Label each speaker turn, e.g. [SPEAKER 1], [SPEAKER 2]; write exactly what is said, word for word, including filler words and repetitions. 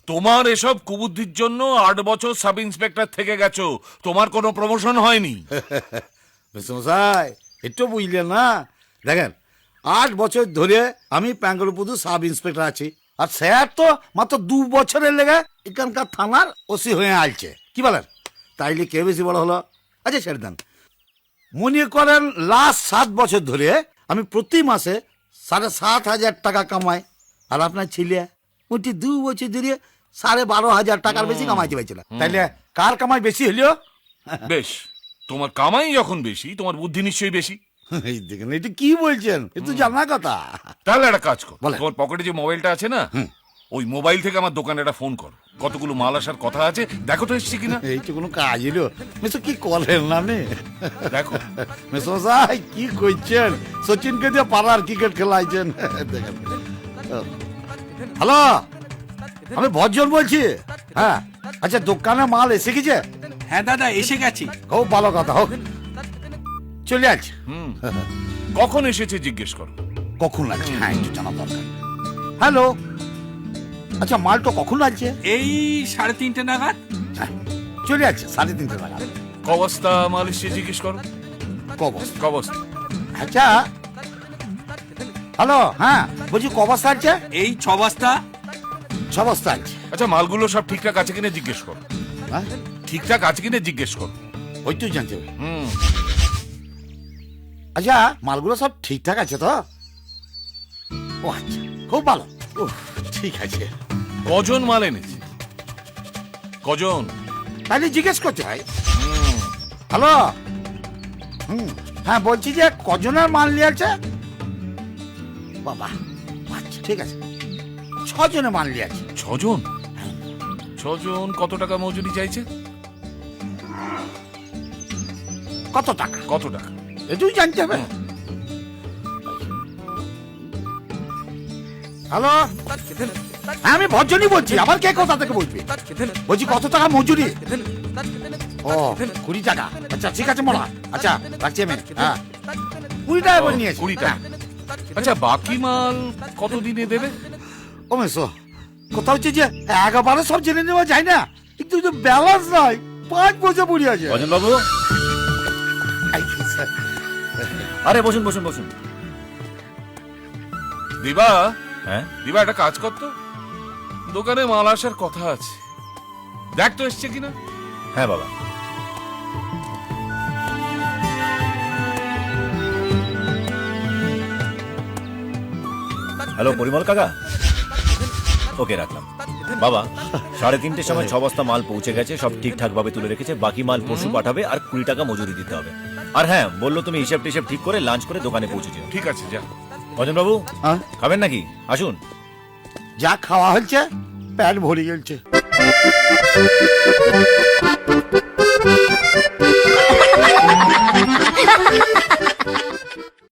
[SPEAKER 1] তোমার এসব কুবুদ্ধির জন্য আট বছর সাব ইন্সপেক্টর থেকে গেছো, তোমার কোনো প্রমোশন হয়নি।
[SPEAKER 2] মেসমশাই একটু বুঝলেন না, দেখেন আট বছর ধরে আমি প্যাঙ্গলপুদু সাব ইন্সপেক্টর আছি, আর স্যার তো মাত্র দু বছরের লেগে এখানকার থানার ওসি হয়ে আলছে, কি বলেন? তাইলে কে বেশি বড় হলো? আচ্ছা ছেড়ে দেন, মনে করেন লাস্ট সাত বছর ধরে আমি প্রতি মাসে সাড়ে সাত হাজার টাকা কামাই, আর আপনার ছেলে ওটি দু বছর ধরে সাড়ে বারো হাজার টাকার বেশি কামাইতে পারছিল। তাইলে কার কামাই বেশি হলো?
[SPEAKER 1] বেশ, তোমার কামাই যখন বেশি, তোমার বুদ্ধি নিশ্চয়ই বেশি।
[SPEAKER 2] এই দেখেন এটা কি বলছেন, এ তো জানা কথা।
[SPEAKER 1] তাহলে একটা কাজ কর,
[SPEAKER 2] বলেন।
[SPEAKER 1] তোমার পকেটে যে মোবাইলটা আছে না, ওই মোবাইল থেকে আমার দোকানে একটা ফোন করো, কতগুলো মাল আসার কথা আছে, দেখো তো এসছে কিনা।
[SPEAKER 2] এই তো কোনো কাজ এলো মেসো, কি করেন না আপনি?
[SPEAKER 1] দেখো
[SPEAKER 2] মেসো সাই কি করছেন, সচিনকে দিয়ে পাড়ার ক্রিকেট খেলাইছেন। দেখেন, হ্যালো আমি ভজন বলছি। হ্যাঁ আচ্ছা, দোকানে মাল এসে গেছে?
[SPEAKER 3] হ্যাঁ দাদা এসে গেছি।
[SPEAKER 2] খুব ভালো কথা, হোক চলে আজ।
[SPEAKER 1] হুম কখন এসেছে জিজ্ঞেস করো।
[SPEAKER 2] কখন লাগছে? হ্যাঁ একটু জানা দরকার। হ্যালো, আচ্ছা মালটা কখন লাগছে?
[SPEAKER 3] এই সাড়ে তিনটে নাগাদ।
[SPEAKER 2] হ্যাঁ, চলে আছে সাড়ে তিনটে টাকা।
[SPEAKER 1] ক বস্তা মাল এসছে জিজ্ঞেস করো।
[SPEAKER 2] কবস,
[SPEAKER 1] ক বস্তা?
[SPEAKER 2] আচ্ছা হ্যালো, হ্যাঁ বলছি কবস্তা আছে?
[SPEAKER 3] এই ছ বস্তা।
[SPEAKER 2] ছ বস্তা আছে।
[SPEAKER 1] আচ্ছা মালগুলো সব ঠিকঠাক আছে কিনা জিজ্ঞেস করো।
[SPEAKER 2] হ্যাঁ
[SPEAKER 1] ঠিকঠাক আছে কিনা জিজ্ঞেস করো।
[SPEAKER 2] ওই তুই জানতে হবে।
[SPEAKER 1] হুম
[SPEAKER 2] আচ্ছা মালগুলো সব ঠিকঠাক আছে তো? ও আচ্ছা খুব ভালো। ও ঠিক আছে।
[SPEAKER 1] কজন মাল এনেছে, কজন?
[SPEAKER 2] তাহলে জিজ্ঞেস করতে হয়। হ্যালো, হুম হ্যাঁ বলছি যে কজনের মাল নিয়ে আছে? বাবা আচ্ছা ঠিক আছে, ছজনের মাল নিয়ে আছে।
[SPEAKER 1] ছজন? ছজন কত টাকা মজুরি চাইছে?
[SPEAKER 2] কত টাকা?
[SPEAKER 1] কত টাকা?
[SPEAKER 2] এটুই জানতে হবে। হ্যালো, হ্যাঁ আমি ভজনই বলছি, আবার কে কোথা থেকে বলবি? বলছি কত টাকা মজুরি? ও কুড়ি টাকা। আচ্ছা ঠিক আছে মোড়া, আচ্ছা রাখছি আমি। হ্যাঁ কুড়ি টাকা করে নিয়েছি।
[SPEAKER 1] কুড়ি টাকা। আচ্ছা বাকি মাল কত দিনে দেবে?
[SPEAKER 2] ও মেসো, কথা হচ্ছে যে একেবারে সব জেনে নেওয়া যায় না, কিন্তু ব্যালেন্স নাই, পাঁচ বছর পড়ে আছে।
[SPEAKER 4] ভজন বাবু, আরে বসুন বসুন বসুন।
[SPEAKER 1] দিবা,
[SPEAKER 4] হ্যাঁ
[SPEAKER 1] দিবা একটা কাজ করতো, দোকানে মাল আসার কথা আছে, দেখ তো এসছে কিনা।
[SPEAKER 4] হ্যাঁ বাবা। হ্যালো পরিমল কাকা, ওকে রাখলাম। বাবা সাড়ে তিনটের সময় ছ বস্তা মাল পৌঁছে গেছে, সব ঠিকঠাক ভাবে তুলে রেখেছে, বাকি মাল পরশু পাঠাবে, আর কুড়ি টাকা মজুরি দিতে হবে। আর হ্যাঁ বললো তুমি হিসাব টিসাব ঠিক করে লাঞ্চ করে দোকানে পৌঁছে যেও।
[SPEAKER 1] ঠিক আছে যা।
[SPEAKER 4] ভজন বাবু
[SPEAKER 2] হ্যাঁ?
[SPEAKER 4] খাবেন নাকি? আসুন।
[SPEAKER 2] যা খাওয়া হচ্ছে পেট ভরে গেছে।